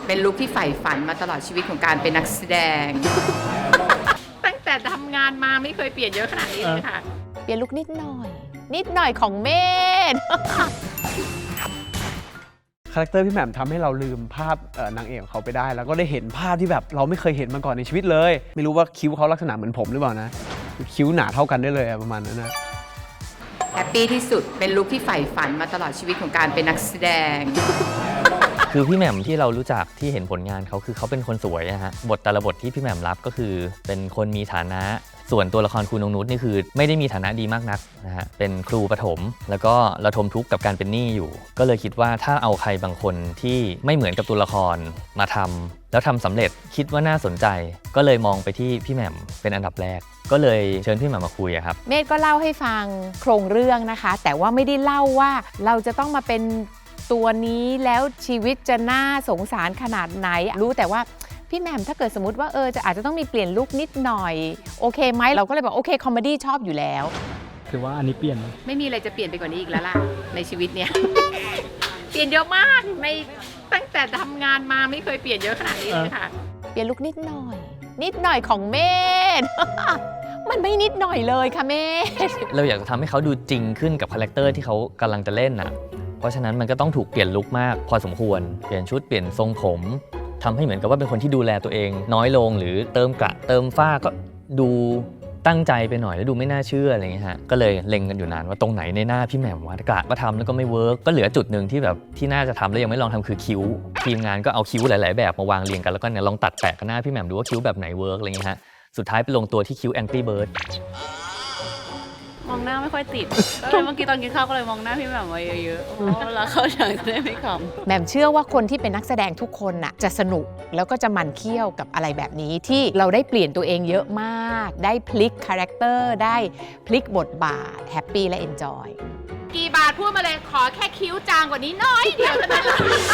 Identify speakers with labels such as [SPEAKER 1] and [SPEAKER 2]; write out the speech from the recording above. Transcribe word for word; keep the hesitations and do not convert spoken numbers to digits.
[SPEAKER 1] เป็นลุคที่ใฝ่ฝันมาตลอดชีวิตของการเป็นนักแสดง ตั้งแต่ทำงานมาไม่เคยเปลี่ยนเยอะขนาดนี้เลยค่ะ
[SPEAKER 2] เปลี่ยนลุคนิดหน่อย นิดหน่อยของเมธ
[SPEAKER 3] คาแรคเตอร์พี่แหม่มทำให้เราลืมภาพนางเอกของเขาไปได้แล้วก็ได้เห็นภาพที่แบบเราไม่เคยเห็นมาก่อนในชีวิตเลยไม่รู้ว่าคิ้วเขาลักษณะเหมือนผมหรือเปล่านะคิ้วหนาเท่ากันได้เลยประมาณนั้นนะ
[SPEAKER 1] แฮปปี้ที่สุดเป็นลุคที่ใฝ่ฝันมาตลอดชีวิตของการเป็นนักแสดง
[SPEAKER 4] คือพี่แหม่มที่เรารู้จักที่เห็นผลงานเขาคือเขาเป็นคนสวยนะฮะบทแต่ละบทที่พี่แหม่มรับก็คือเป็นคนมีฐานะส่วนตัวละครครูนงนุชนี่คือไม่ได้มีฐานะดีมากนักนะฮะเป็นครูประถมแล้วก็ระทมทุกข์กับการเป็นหนี้อยู่ก็เลยคิดว่าถ้าเอาใครบางคนที่ไม่เหมือนกับตัวละครมาทำแล้วทำสำเร็จคิดว่าน่าสนใจก็เลยมองไปที่พี่แหม่มเป็นอันดับแรกก็เลยเชิญพี่แหม่มมาคุยครับ
[SPEAKER 2] เมธก็เล่าให้ฟังโครงเรื่องนะคะแต่ว่าไม่ได้เล่าว่าเราจะต้องมาเป็นตัวนี้แล้วชีวิตจะน่าสงสารขนาดไหนรู้แต่ว่าพี่แหม่มถ้าเกิดสมมติว่าเออจะอาจจะต้องมีเปลี่ยนลุคนิดหน่อยโอเคไหมเราก็เลยบอกโอเคคอมเมดี้ชอบอยู่แล้ว
[SPEAKER 5] คือว่าอันนี้เปลี่ยน
[SPEAKER 1] ไม่มีอะไรจะเปลี่ยนไปกว่านี้อีกแล้วล่ะ ในชีวิตเนี้ย เปลี่ยนเยอะมากไม่ตั้งแต่ทำงานมาไม่เคยเปลี่ยนเยอะขนาดนี้เลยค่ะ
[SPEAKER 2] เปลี่ยนลุคนิดหน่อย นิดหน่อยของเมธ มันไม่นิดหน่อยเลยค่ะเมธ
[SPEAKER 4] เราอยากจะทำให้เขาดูจริงขึ้นกับคาแรคเตอร์ที่เขากำลังจะเล่นน่ะเพราะฉะนั้นมันก็ต้องถูกเปลี่ยนลุคมากพอสมควรเปลี่ยนชุดเปลี่ยนทรงผมทำให้เหมือนกับว่าเป็นคนที่ดูแลตัวเองน้อยลงหรือเติมกระเติมฝ้าก็ดูตั้งใจไปหน่อยแล้วดูไม่น่าเชื่ออะไรเงี้ยฮะก็เลยเล็งกันอยู่นานว่าตรงไหนในหน้าพี่แหม่มว่ากระมาทำแล้วก็ไม่เวิร์กก็เหลือจุดหนึ่งที่แบบที่น่าจะทำแล้วยังไม่ลองทำคือคิ้วทีมงานก็เอาคิ้วหลายๆแบบมาวางเรียงกันแล้วก็เนี่ยลองตัดแปะกับหน้าพี่แหม่มดูว่าคิ้วแบบไหนเวิร์กอะไรเงี้ยฮะสุดท้ายไปลงตัวที่คิ้วแองกี้เบิร์ด
[SPEAKER 6] มองหน้าไม่ค่อยติดก็เลยเมื่อกี้ตอนกินข้าวก็เลยมองหน้าพี่แหม่มไว้เยอะๆเพราะเวลาเข้าฉากจะได้ไม่ขำ
[SPEAKER 2] แหม่มเชื่อว่าคนที่เป็นนักแสดงทุกคนน่ะจะสนุกแล้วก็จะมันเคี่ยวกับอะไรแบบนี้ที่เราได้เปลี่ยนตัวเองเยอะมากได้พลิกคาแรคเตอร์ได้พลิกบทบาทแฮปปี้และเอนจอย
[SPEAKER 1] กี่บาทพูดมาเลยขอแค่คิ้วจางกว่านี้น้อยเดียวเท่านั้นแหละ